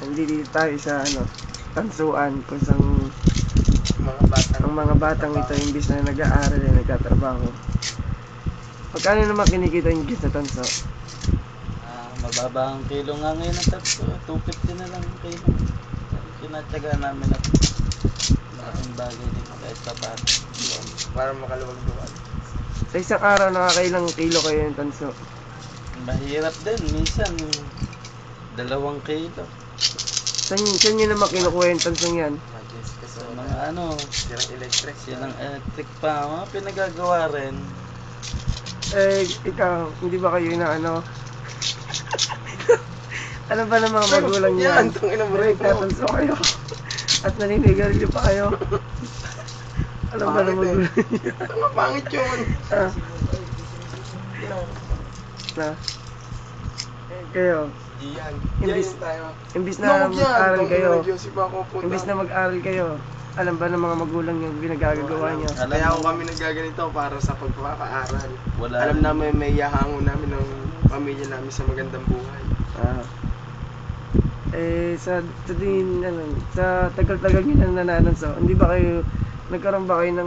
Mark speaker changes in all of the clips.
Speaker 1: Hindi dito tayo sa tansuan kung saan ang mga batang ito imbis na nag-aaral ay nagtatrabaho. Pagkano naman kinikita yung gis na tanso?
Speaker 2: Mababa ang kilo nga ngayon ng tatlo. 250 na lang ang kilo. Kinatsaga namin at malaking bagay din kahit sapat.
Speaker 3: Para makaluwag-luwag.
Speaker 1: Sa isang araw nakakailang kilo kayo yung tanso?
Speaker 2: Mahirap din. Minsan 2 kilo.
Speaker 1: Saan nyo naman kinukuha yung tansong yan?
Speaker 2: So, mga silang electric pa. Mga pinagagawa rin.
Speaker 1: Ikaw, hindi ba kayo na alam ba ng mga magulang niyo?
Speaker 3: Yan, itong inamuray ko.
Speaker 1: Nagtatanso kayo. At naninigarilyo pa kayo. Alam ba ng magulang niyo?
Speaker 3: Tama, pangit yun.
Speaker 1: Kayo,
Speaker 3: Yan.
Speaker 1: Imbis-
Speaker 3: tayo.
Speaker 1: imbis na mag-aral kayo, imbis na
Speaker 3: mag
Speaker 1: mag-aral kayo, alam ba ng mga magulang niyo ginagagawa niyo?
Speaker 3: Kaya ako kami nagaganito para sa pagpapaaral.
Speaker 2: Wala
Speaker 3: Alam
Speaker 2: rin.
Speaker 3: namin may yahango namin ng pamilya namin sa magandang buhay.
Speaker 1: Sa tagal-tagal niyo nang nanananso, hindi ba kayo, nagkaroon ba kayo ng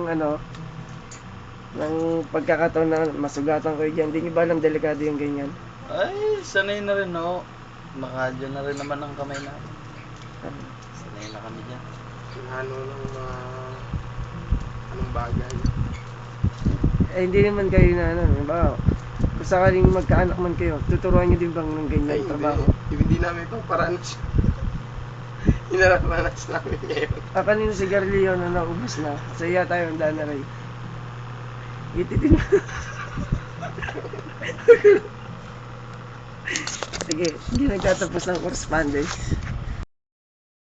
Speaker 1: ng pagkakataon na masugatan kayo dyan? Hindi niyo ba alam delikado yung ganyan?
Speaker 2: Ay, sanay na rin no. Makadyo na rin naman ang kamay namin. Sanay na kami dyan.
Speaker 3: Ano ng mga anong bagay.
Speaker 1: Hindi naman kayo na ba? Kung sakaling magkaanak man kayo, tuturuan niyo din bang ng ganyan trabaho?
Speaker 3: Hindi namin paparanas. Hinarapanas namin ngayon.
Speaker 1: Kanino si Garlio na naubos na? Sa iya tayo ang Dana Ray. Ititin. Sige, hindi nagtatapos ng correspondence.